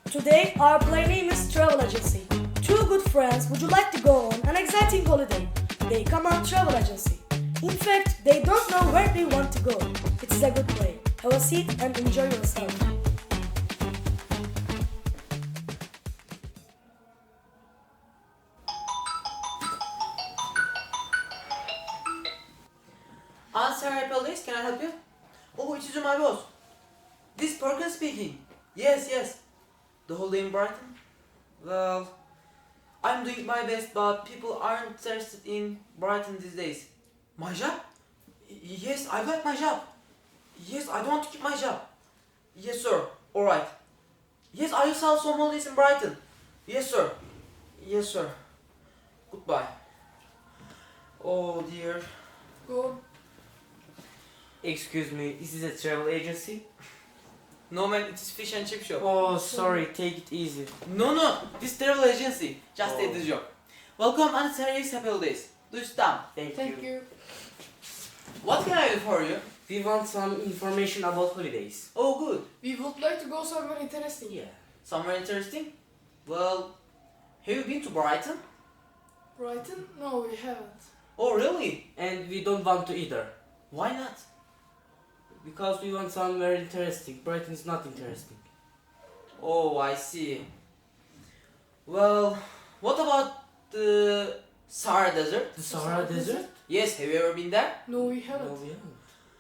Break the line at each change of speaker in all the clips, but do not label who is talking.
Today, our play name is Travel Agency. Two good friends would you like to go on an exciting holiday. They come on travel agency. In fact, they don't know where they want to go. It is a good play. Have a seat and enjoy yourself.
Answer police, can I help you? Oh, it is my boss. This Perkins speaking. Yes. The holiday in Brighton? Well, I'm doing my best, but people aren't interested in Brighton these days. My job? Yes, I got my job. Yes, I don't want to keep my job. Yes, sir. Alright. Yes, I will sell some holidays in Brighton. Yes, sir. Yes, sir. Goodbye. Oh dear.
Go.
Excuse me, this is a travel agency?
No man, it is fish and chip shop.
Oh, sorry, take it easy.
No, this travel agency. Just
Oh.
a the job. Welcome and serious happy holidays. Do stop.
Thank you.
What can I do for you?
We want some information about holidays.
Oh, good.
We would like to go somewhere interesting.
Yeah.
Somewhere interesting? Well, have you been to Brighton?
Brighton? No, we haven't.
Oh, really?
And we don't want to either.
Why not?
Because we want somewhere interesting. Brighton is not interesting.
Oh, I see. Well, what about the Sahara Desert?
The Sahara Desert?
Yes, have you ever been there?
No, we haven't.
No, we haven't.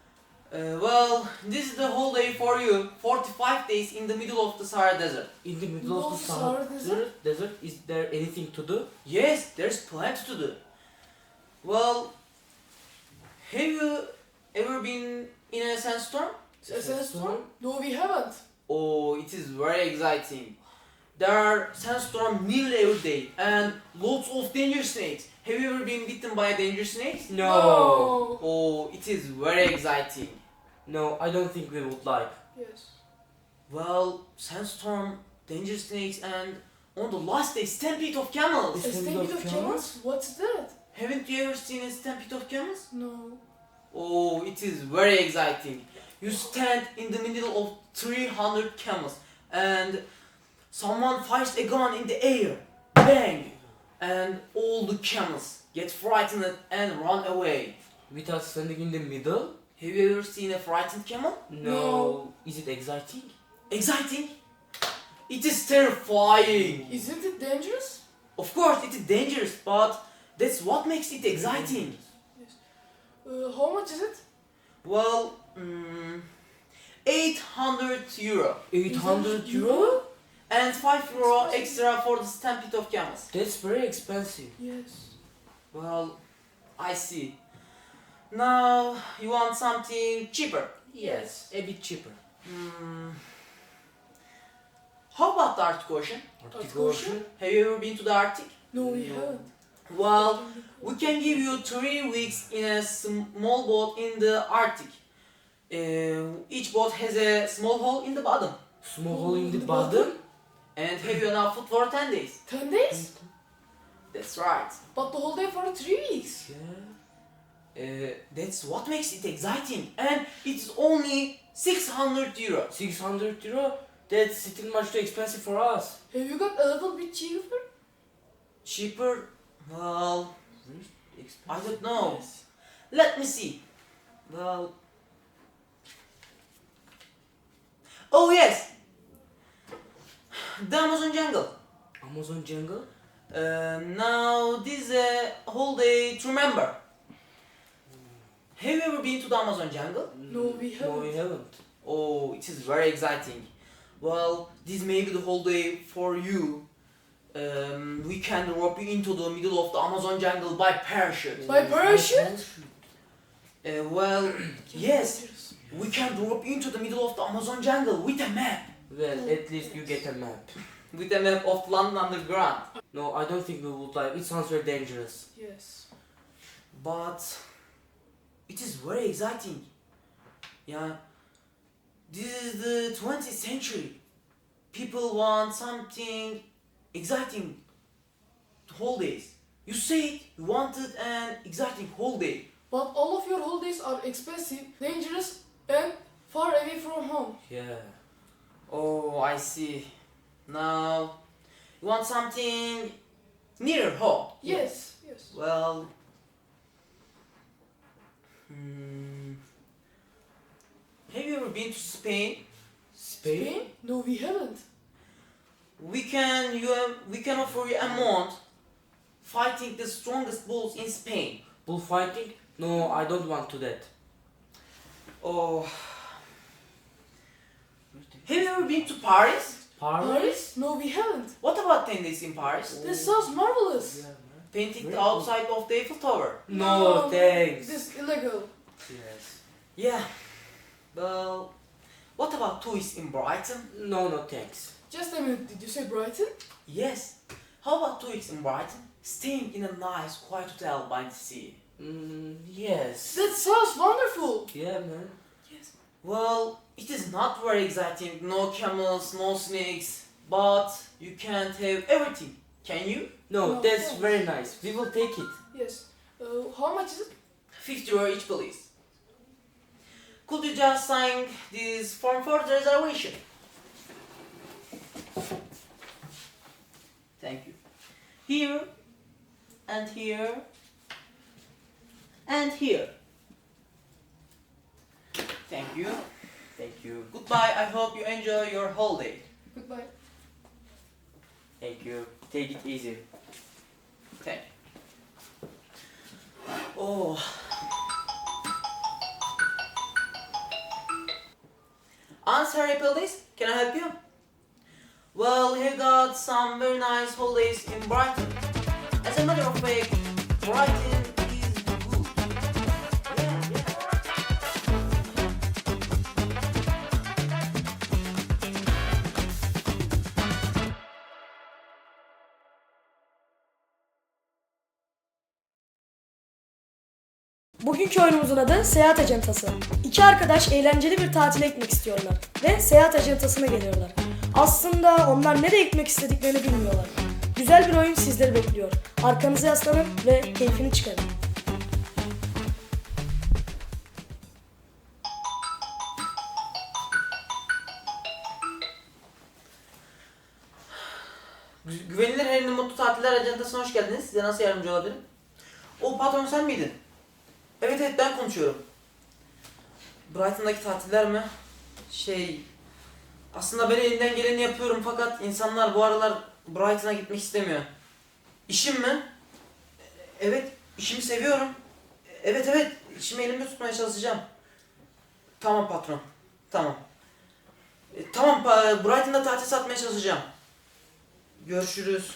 Well, this is the whole day for you. 45 days in the middle of the Sahara Desert.
In the middle of the Sahara Desert, is there anything to do?
Yes, there's plenty to do. Well, have you ever been in a sandstorm?
A sandstorm? No, we haven't.
Oh, it is very exciting. There are sandstorms nearly every day and lots of dangerous snakes. Have you ever been bitten by a dangerous snake?
No.
Oh, it is very exciting.
No, I don't think we would like.
Yes.
Well, sandstorm, dangerous snakes, and on the last day, stampede of camels.
A stampede of camels? What's that?
Haven't you ever seen a stampede of camels?
No.
Oh, it is very exciting. You stand in the middle of 300 camels and someone fires a gun in the air. Bang! And all the camels get frightened and run away.
With us standing in the middle?
Have you ever seen a frightened camel?
No. Is it exciting?
Exciting? It is terrifying.
Isn't it dangerous?
Of course, it is dangerous, but that's what makes it exciting.
How much is it?
Well, 800 euro.
800
€800?
euro?
And 5 euro extra for the stampede of camels.
That's very expensive.
Yes.
Well, I see. Now, you want something cheaper?
Yes, a bit cheaper.
How about the Arctic Ocean?
Arctic
Ocean?
Ocean?
Have you ever been to the Arctic?
No, we
No.
haven't.
Well, we can give you 3 weeks in a small boat in the Arctic. Each boat has a small hole in the bottom.
Small hole in the bottom?
And have you enough food for 10 days?
10 days?
That's right.
But the whole day for 3 weeks.
Yeah.
That's what makes it exciting. And it's only 600 euro.
600 euro? That's still much too expensive for us.
Have you got a little bit cheaper?
Cheaper? Well,
Expensive.
I don't know.
Yes.
Let me see. Well. Oh yes! The Amazon jungle.
Amazon jungle?
Now this is a holiday to remember. Have you ever been to the Amazon jungle?
No, we
No, we
haven't.
haven't.
Oh, it is very exciting. Well, this may be the holiday for you. We can drop you into the middle of the Amazon jungle by parachute.
By parachute?
Well, yes, we can drop you into the middle of the Amazon jungle with a map.
Well, at least you get a map.
With a map of London Underground.
No, I don't think we would like. It sounds very dangerous.
Yes.
But it is very exciting. Yeah. This is the 20th century. People want something exciting. Holidays. You said you wanted an exciting holiday.
But all of your holidays are expensive, dangerous, and far away from home.
Yeah.
Oh, I see. Now, you want something nearer home?
Yes.
Well, have you ever been to Spain?
Spain?
No, we haven't.
We can offer you a month fighting the strongest bulls in Spain.
Bullfighting? No, I don't want to that.
Oh, have you ever been to Paris?
Paris?
No, we haven't.
What about 10 days in Paris?
This sounds marvelous.
Yeah, man.
Painting
Very
the outside of the Eiffel Tower.
No, thanks.
This is illegal.
Yes.
Yeah. Well, what about tourists in Brighton?
No, thanks.
Just a minute, did you say Brighton?
Yes. How about tourists in Brighton? Staying in a nice, quiet hotel by the sea.
Yes.
That sounds wonderful.
Yeah, man.
Well, it is not very exciting. No camels, no snakes. But you can't have everything. Can you?
No,
No,
that's
thanks.
very nice. We will take it.
Yes. How much is it?
50 euro each, please. Could you just sign this form for the reservation? Thank you. Here, and here, and here. Thank you.
Thank you.
Goodbye. I hope you enjoy your holiday.
Goodbye.
Thank you. Take it easy.
Thank you. Oh. Answer, police. Can I help you? Well, he got some very nice holidays in Brighton. As a matter of fact, Brighton is good. Yeah.
Bugünkü oyunumuzun adı Seyahat Acentası. İki arkadaş eğlenceli bir tatile gitmek istiyorlar ve seyahat acentasına geliyorlar. Aslında onlar nereye gitmek istediklerini bilmiyorlar. Güzel bir oyun sizleri bekliyor. Arkanıza yaslanın ve keyfini çıkarın.
Güvenilir Harry'nin Mutlu Tatiller Ajantası'na hoş geldiniz. Size nasıl yardımcı olabilirim? O patron sen miydin? Evet ben konuşuyorum. Brighton'daki tatiller mi? Aslında ben elimden geleni yapıyorum fakat insanlar bu aralar Brighton'a gitmek istemiyor. İşim mi? Evet, işimi seviyorum. Evet, işimi elimde tutmaya çalışacağım. Tamam patron, tamam. Tamam, Brighton'da tatil satmaya çalışacağım. Görüşürüz.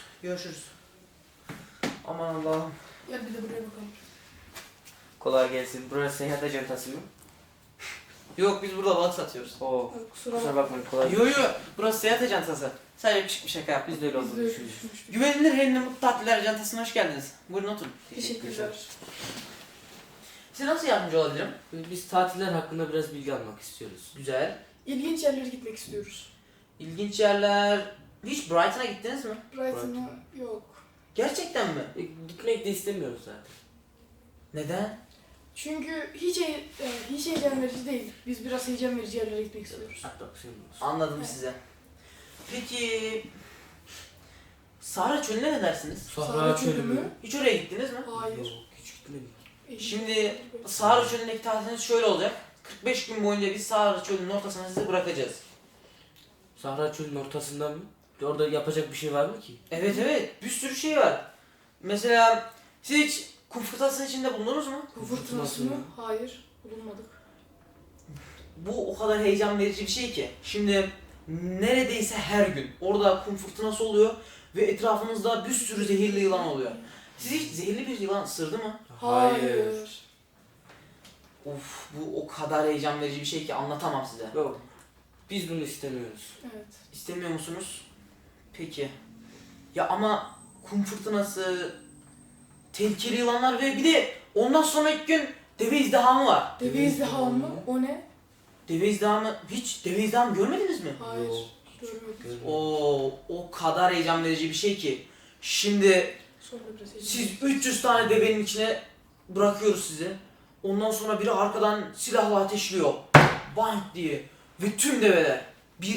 Aman Allah'ım.
Gel bir de buraya bakalım.
Kolay gelsin. Burası seyahat ajantası mı?
Yok, biz burada balık satıyoruz.
Oo.
Kusura
Kusura
bakma.
bakmayın. Kolay
Yo, burası seyahat ajantası. Sadece küçük bir şaka yaptık.
Biz de öyle
Biz de
olduğunu düşündük.
düşünmüştük.
Güvenilir Harry'nin Mutlu Tatiller Ajantası'na hoş geldiniz. Buyurun oturun.
Teşekkürler.
Size nasıl yardımcı olabilirim?
Biz tatiller hakkında biraz bilgi almak istiyoruz.
Güzel.
İlginç yerlere gitmek istiyoruz.
İlginç yerler... Hiç Brighton'a gittiniz mi?
Brighton'a yok.
Gerçekten mi?
Gitmek de istemiyoruz zaten.
Neden?
Çünkü hiç heyecan verici değil. Biz biraz heyecan verici yerlere gitmek istiyoruz.
Atraksiyon olsun.
Anladım
Evet.
size. Peki... Sahra Çölü'ne ne dersiniz?
Sahra Çölü mü?
Hiç oraya gittiniz mi?
Hayır.
Yok, hiç gitmedim.
Şimdi Sahra Çölü'ndeki tatiliniz şöyle olacak. 45 gün boyunca biz Sahra Çölü'nün ortasına sizi bırakacağız.
Sahra Çölü'nün ortasında mı? Orada yapacak bir şey var mı ki?
Evet, bir sürü şey var. Mesela siz hiç kum fırtınasının içinde bulundunuz mu?
Kum fırtınası mı? Hayır. Bulunmadık.
Bu o kadar heyecan verici bir şey ki. Şimdi neredeyse her gün orada kum fırtınası oluyor ve etrafınızda bir sürü zehirli yılan oluyor. Siz hiç zehirli bir yılan ısırdı mı?
Hayır.
Of, bu o kadar heyecan verici bir şey ki anlatamam size.
Yok. Biz bunu istemiyoruz.
Evet.
İstemiyor musunuz? Peki. Ya ama kum fırtınası, tehlikeli yılanlar ve bir de ondan sonraki gün deve izdihamı var.
Deve izdihamı mı? O ne?
Deve izdihamı, hiç deve izdihamı görmediniz mi?
Hayır.
Yok.
Görmedik.
Görmedim.
O kadar heyecan verici bir şey ki. Şimdi
Sonra biraz heyecan.
siz 300 tane devenin içine bırakıyoruz sizi. Ondan sonra biri arkadan silahla ateşliyor. Bang diye. Ve tüm develer bir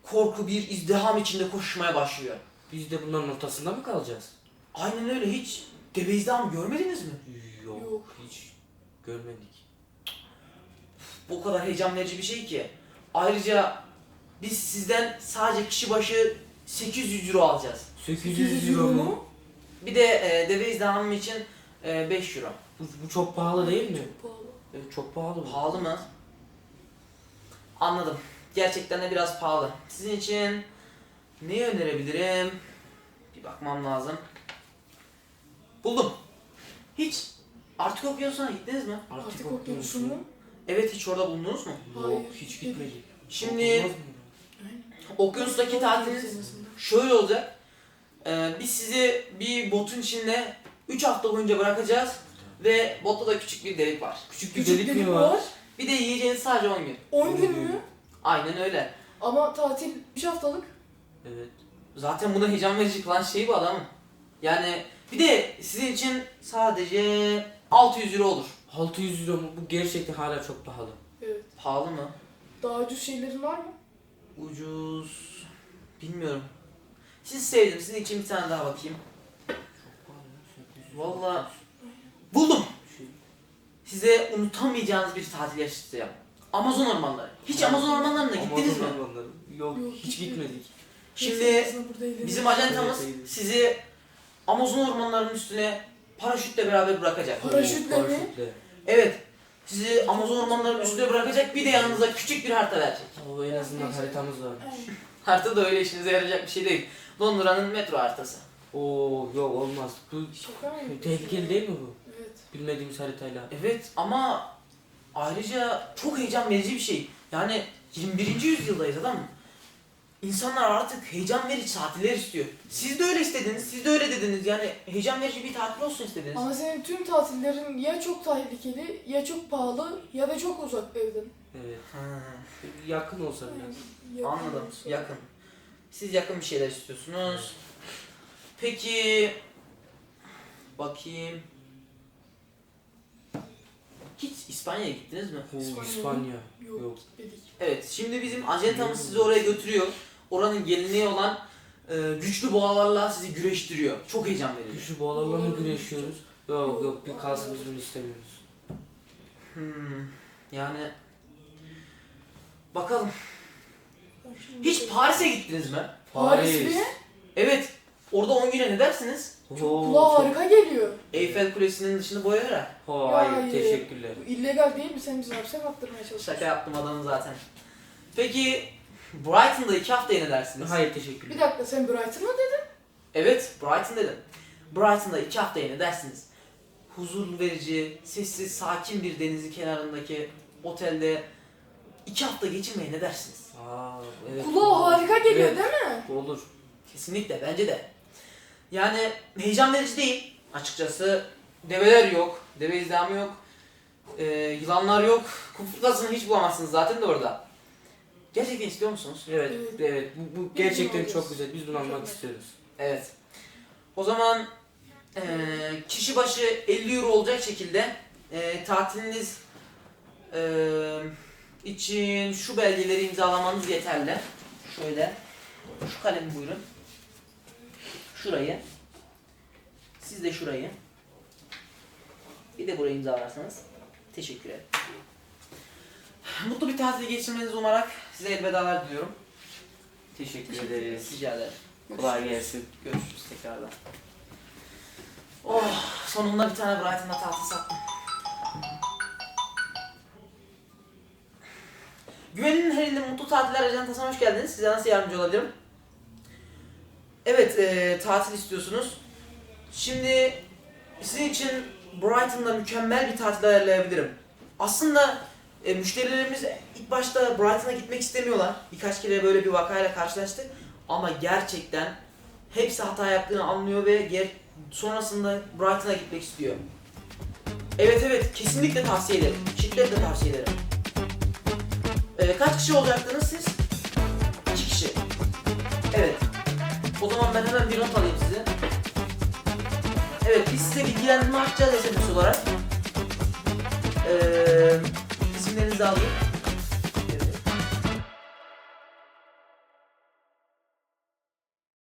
korku, bir izdiham içinde koşmaya başlıyor.
Biz de bunların ortasında mı kalacağız?
Aynen öyle, hiç deve izdiham görmediniz mi?
Yok,
Yok.
hiç görmedik.
Bu kadar heyecan verici bir şey ki. Ayrıca biz sizden sadece kişi başı 800 euro alacağız.
800 euro mu?
Bir de deve izdihamı için 5 euro.
Bu çok pahalı değil mi?
Çok pahalı.
Evet, çok pahalı bu.
Pahalı mı? Anladım. Gerçekten de biraz pahalı. Sizin için neyi önerebilirim? Bir bakmam lazım. Buldum. Hiç Artık Okyanusu'na gittiniz mi?
Artık okyanusu mu?
Evet, hiç orada bulundunuz mu?
Yok,
Hayır.
hiç gitmedik.
Şimdi
Olmaz mı?
okyanustaki tatiliniz şöyle olacak. Biz sizi bir botun içinde 3 hafta boyunca bırakacağız ve botta da küçük bir delik var.
Küçük bir delik mi var?
var.
Bir de yiyeceğiniz sadece 10 gün.
10 gün mü?
Aynen öyle.
Ama tatil 3 haftalık.
Evet.
Zaten buna heyecan verici kılan şey bu adamın. Yani bir de sizin için sadece 600 euro olur.
600 euro mu? Bu gerçekten hala çok pahalı.
Evet.
Pahalı mı?
Daha ucuz şeylerin var mı?
Ucuz. Bilmiyorum. Sizi sevdim. Sizin için bir tane daha bakayım.
Çok pahalı ya, 800 euro.
Vallahi buldum.
Şey,
Size unutamayacağınız bir tatil yaşatacağım. Amazon ormanları. Hiç Amazon ormanlarına gittiniz mi?
Amazon ormanları. Yok,
Yok,
hiç gitmedik.
Şimdi
Neyse, burada eğlenelim.
bizim ajantamız
Evet, evet.
sizi Amazon ormanlarının üstüne paraşütle beraber bırakacak.
Paraşütle mi?
Paraşütle.
Evet. Sizi Amazon ormanlarının üstüne bırakacak, bir de yanınıza küçük bir harita verecek.
O en azından haritamız var.
Aynen.
Harita da öyle işinize yarayacak bir şey değil. Londra'nın metro haritası.
Oo yok olmaz. Bu
Şaka mı?
tehlikeli değil mi bu?
Evet.
Bilmediğimiz haritayla.
Evet ama ayrıca çok heyecan verici bir şey. Yani 21. yüzyıldayız adam. İnsanlar artık heyecan verici tatiller istiyor. Siz de öyle istediniz, siz de öyle dediniz. Yani heyecan verici bir tatil olsun istediniz.
Ama senin tüm tatillerin ya çok tehlikeli, ya çok pahalı, ya da çok uzak evden.
Evet.
Ha,
Yakın olsa biraz.
Yakın
anladım,
olsa.
yakın. Siz yakın bir şeyler istiyorsunuz. Peki, bakayım. Hiç İspanya'ya gittiniz mi?
Oo,
İspanya.
İspanya.
Yok,
Yok.
gitmedik.
Evet, şimdi bizim ajantamız sizi oraya götürüyor. Oranın geleneği olan güçlü boğalarla sizi güreştiriyor. Çok heyecan verici.
Güçlü boğalarla mı güreşiyoruz? Yok yok, bir kalsın, biz bunu istemiyoruz.
Yani bakalım. Hiç
Hiç
Paris'e gittiniz mi?
Paris mi?
Evet. Orada 10 güne ne dersiniz?
Oo,
Kulağa
çok-
harika geliyor.
Eyfel Kulesi'nin dışını boyayarak.
Hayır,
Hayır.
teşekkürler.
Bu illegal değil mi? Sen bizi hapse attırmaya çalışıyorsun.
Şaka yaptım adamı zaten. Peki Brighton'da 2 haftaya ne dersiniz?
Hayır, teşekkürler.
Bir dakika, sen Brighton mı dedin?
Evet, Brighton dedim. Brighton'da 2 haftaya ne dersiniz? Huzur verici, sessiz, sakin bir denizin kenarındaki otelde 2 hafta geçirmeye ne dersiniz?
Aa, evet.
Kulağa harika geliyor
Evet.
değil mi?
Olur.
Kesinlikle, bence de. Yani heyecan verici değil. Açıkçası develer yok, deve izdihamı yok, yılanlar yok. Kum fırtınasını hiç bulamazsınız zaten de orada. Gerçekten istiyor musunuz?
Evet,
Evet.
evet. Bu
Biz
gerçekten
bunu
çok
alıyoruz.
güzel. Biz bunu almak
Mükemmel.
istiyoruz.
Evet. O zaman kişi başı 50 euro olacak şekilde tatiliniz için şu belgeleri imzalamanız yeterli. Şöyle. Şu kalemi buyurun. Şurayı. Siz de şurayı. Bir de burayı imzalarsanız. Teşekkür ederim. Mutlu bir tatil geçirmenizi umarak size elvedalar diliyorum.
Teşekkür ederiz.
Rica ederim.
Kolay gelsin.
Görüşürüz tekrardan. Oh, sonunda bir tane Brighton'da tatil sattım. Güvenin her ilde mutlu tatiller ajantasına hoş geldiniz. Size nasıl yardımcı olabilirim? Evet, tatil istiyorsunuz. Şimdi sizin için Brighton'da mükemmel bir tatil ayarlayabilirim. Aslında müşterilerimiz ilk başta Brighton'a gitmek istemiyorlar. Birkaç kere böyle bir vakayla karşılaştık. Ama gerçekten hepsi hata yaptığını anlıyor ve sonrasında Brighton'a gitmek istiyor. Evet evet, kesinlikle tavsiye ederim. Şiddetle tavsiye ederim. Kaç kişi olacaktınız siz? 2 kişi. Evet. O zaman ben hemen bir not alayım size. Evet, biz size bilgilendirme açacağız SMS olarak. İsimlerinizi alayım.